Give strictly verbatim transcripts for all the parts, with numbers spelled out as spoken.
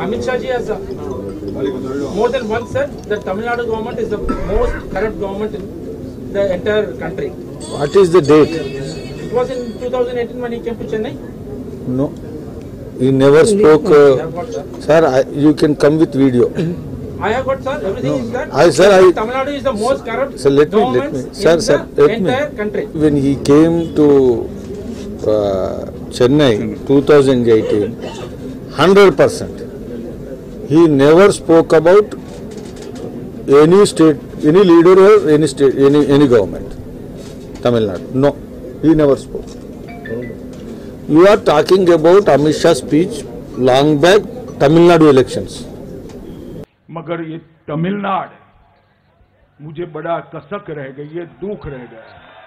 Amit Shah ji has uh, more than once said that Tamil Nadu government is the most corrupt government in the entire country. What is the date? It was in two thousand eighteen when he came to Chennai. No, he never spoke. Uh, Got, sir, sir, I, you can come with video. I have got, sir, everything No. is there. I, sir, I, Tamil Nadu is the most corrupt sir, let me, let government me, sir, in sir, the let entire me. country. When he came to uh, Chennai, two thousand eighteen, one hundred percent, he never spoke about any state, any leader or any state, any any government. Tamil Nadu, no, he never spoke. You are talking about Amit Shah's speech long back, Tamil Nadu elections. मगर ये तमिलनाडु मुझे बड़ा कसक रह गई है, दुख रह गया.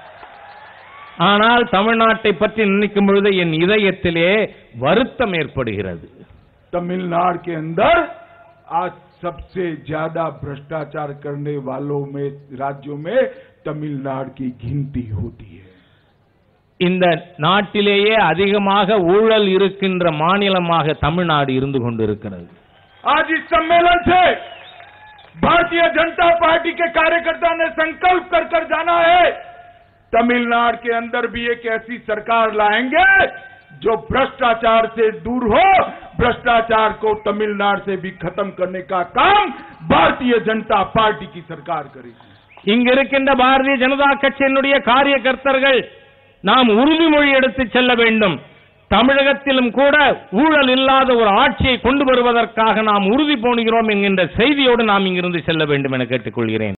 ஆனால் தமிழ்நாட்டை பற்றி நினைக்கும் பொழுது என் இதயத்திலே வருத்தம் ஏற்படுகிறது. तमिलनाडु के अंदर आज सबसे ज्यादा भ्रष्टाचार करने वालों में राज्यों में तमिलनाडु की गिनती होती है. இந்த நாட்டிலேயே அதிகமாக ஊழல் இருக்கின்ற மாநிலமாக தமிழ்நாடு இருந்து கொண்டிருக்கிறது. आज इस सम्मेलन से भारतीय जनता पार्टी के कार्यकर्ता ने संकल्प कर कर जाना है, तमिलनाडु के अंदर भी एक ऐसी सरकार लाएंगे जो भ्रष्टाचार से दूर हो, भ्रष्टाचार को तमिलनाडु से भी खत्म करने का काम भारतीय जनता पार्टी की सरकार करेगी. இங்க இருக்கின்ற பாரதிய ஜனதா கட்சியினுடைய காரியகர்த்தர்கள் நாம் உறுதிமொழி எடுத்து செல்ல வேண்டும். தமிழகத்திலும் கூட ஊழல் இல்லாத ஒரு ஆட்சியை கொண்டு வருவதற்காக நாம் உறுதி பூணுகிறோம் என்கின்ற செய்தியோடு நாம் இங்கிருந்து செல்ல வேண்டும் என கேட்டுக்கொள்கிறேன்.